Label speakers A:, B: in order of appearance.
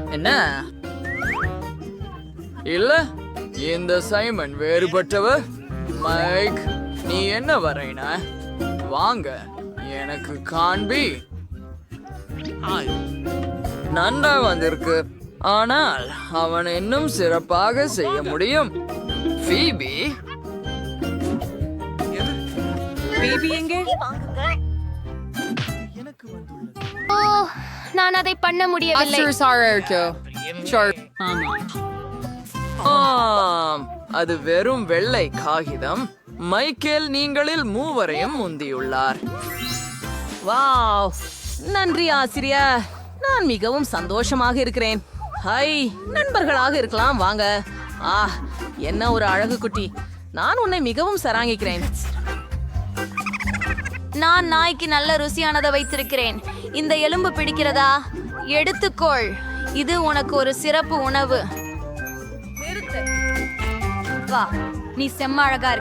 A: என்ன
B: இல்ல, இந்த சைமன் வேறுபட்டவர். மைக், நீ என்ன வரையின? வாங்க, எனக்கு காண்பி. நன்றா வந்திருக்கு, ஆனால் அவன் இன்னும் சிறப்பாக செய்ய முடியும். ஃபீபி,
A: பேபி எங்கே?
C: ஓ, நான் அதை பண்ண முடியவில்லை.
B: ஆம், அது வெறும் வெள்ளை காகிதம். மைக்கேல் நீங்களில் மூவரையும் முந்தியுள்ளார்.
A: வாவ், நன்றி ஆசிரியர். நான் மிகவும் சந்தோஷமாக இருக்கிறேன். ஹை, நண்பர்களாக இருக்கலாம் வாங்க. என்ன ஒரு அழகு குட்டி. நான் உன்னை மிகவும் சராங்கிக்கிறேன்.
C: நான் நாய்க்கு நல்ல ருசியானதை வைத்திருக்கிறேன். இந்த எலும்பு பிடிக்கிறதா? எடுத்துக்கொள், இது உனக்கு ஒரு சிறப்பு உணவு. வா, நீ செம்ம அழகா இருக்க.